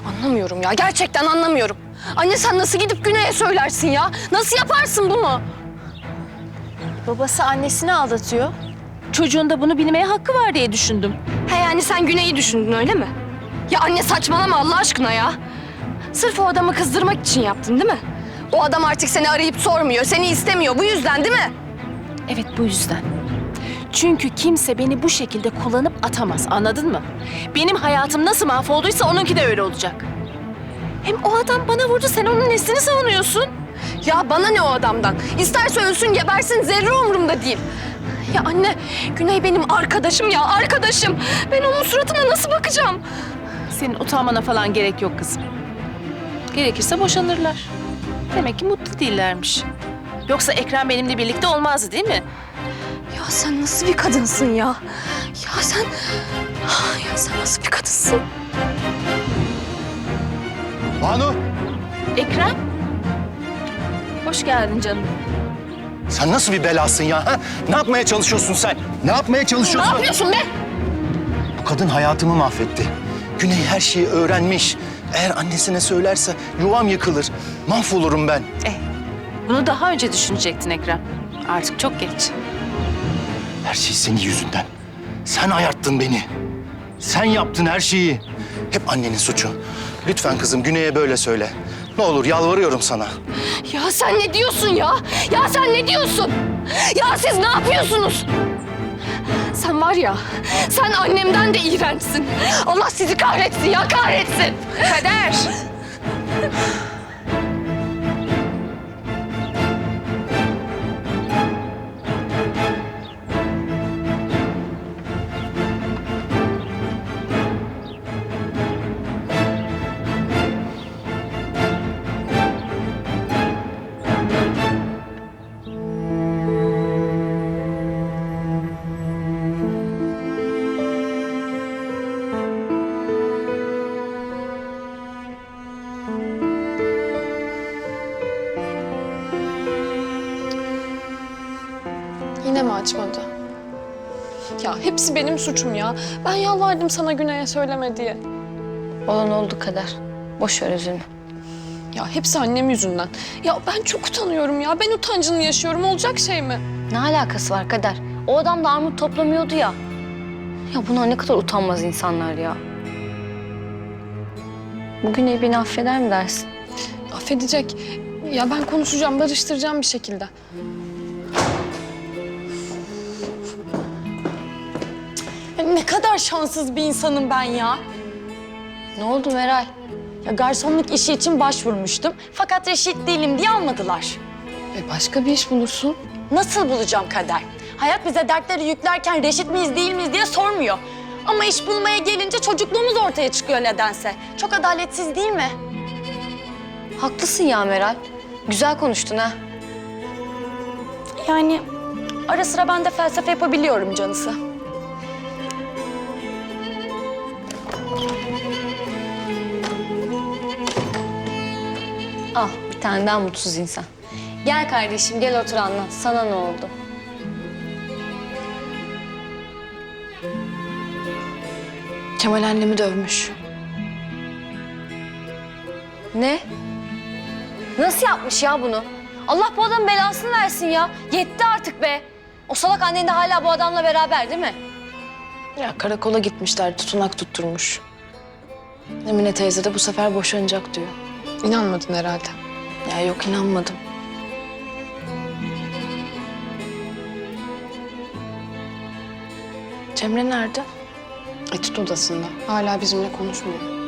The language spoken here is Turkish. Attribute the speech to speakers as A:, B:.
A: Anlamıyorum ya, gerçekten anlamıyorum. Anne sen nasıl gidip Güney'e söylersin ya? Nasıl yaparsın bunu?
B: Babası annesini aldatıyor. Çocuğun da bunu bilmeye hakkı var diye düşündüm.
A: He yani sen Güney'i düşündün öyle mi? Ya anne saçmalama Allah aşkına ya. Sırf o adamı kızdırmak için yaptın değil mi? O adam artık seni arayıp sormuyor, seni istemiyor. Bu yüzden değil mi?
B: Evet, bu yüzden. Çünkü kimse beni bu şekilde kullanıp atamaz, anladın mı? Benim hayatım nasıl mahvolduysa onunki de öyle olacak. Hem o adam bana vurdu, sen onun nesini savunuyorsun?
A: Ya bana ne o adamdan? İsterse ölsün gebersin zerre umurumda değil. Ya anne, Güney benim arkadaşım ya, arkadaşım. Ben onun suratına nasıl bakacağım?
B: Senin utanmana falan gerek yok kızım. Gerekirse boşanırlar. Demek ki mutlu değillermiş. Yoksa Ekrem benimle birlikte olmazdı değil mi?
A: Ya sen nasıl bir kadınsın ya? Ya sen... Ya sen nasıl bir kadınsın?
C: Banu,
B: Ekrem? Hoş geldin canım.
C: sen nasıl bir belasın ya? Ha? Ne yapmaya çalışıyorsun sen? Ne yapmaya
A: Ne
C: çalışıyorsun?
A: yapıyorsun be?
C: Bu kadın hayatımı mahvetti. Güney her şeyi öğrenmiş. Eğer annesine söylerse yuvam yıkılır. Mahvolurum ben.
B: Bunu daha önce düşünecektin Ekrem. Artık çok geç.
C: Her şey senin yüzünden. Sen ayarttın beni. Sen yaptın her şeyi. Hep annenin suçu. Lütfen kızım Güney'e böyle söyle. Ne olur yalvarıyorum sana.
A: Ya sen ne diyorsun ya? Ya sen ne diyorsun? Ya siz ne yapıyorsunuz? Sen var ya, sen annemden de iğrençsin. Allah sizi kahretsin ya, kahretsin.
B: Kader!
D: Yine mi açmadı? Ya hepsi benim suçum ya. Ben yalvardım sana Güney'e söyleme diye.
E: Olan oldu Kader. Boş ver üzülme.
D: Ya hepsi annem yüzünden. Ya ben çok utanıyorum ya. Ben utancını yaşıyorum. Olacak şey mi?
E: Ne alakası var Kader? O adam da armut toplamıyordu ya. Ya bunlar ne kadar utanmaz insanlar ya. Bugün beni affeder mi dersin?
D: Affedecek. Ya ben konuşacağım, barıştıracağım bir şekilde. Ya ne kadar şanssız bir insanım ben ya.
E: Ne oldu Meral?
F: Ya garsonluk işi için başvurmuştum. Fakat reşit değilim diye almadılar.
D: Başka bir iş bulursun.
F: Nasıl bulacağım Kader? Hayat bize dertleri yüklerken reşit miyiz değil miyiz diye sormuyor. Ama iş bulmaya gelince çocukluğumuz ortaya çıkıyor nedense. Çok adaletsiz değil mi?
E: Haklısın ya Meral. Güzel konuştun ha.
F: Yani ara sıra ben de felsefe yapabiliyorum canısı.
E: Al bir tane daha mutsuz insan. Gel kardeşim gel otur anlat. Sana ne oldu?
D: Kemal annemi dövmüş.
E: Ne? Nasıl yapmış ya bunu? Allah bu adamın belasını versin ya. Yetti artık be. O salak annen de hala bu adamla beraber değil mi?
D: Ya karakola gitmişler, tutunak tutturmuş. Emine teyze de bu sefer boşanacak diyor. İnanmadın herhalde. Ya yok inanmadım. Cemre nerede? Etüt odasında. Hala bizimle konuşmuyor.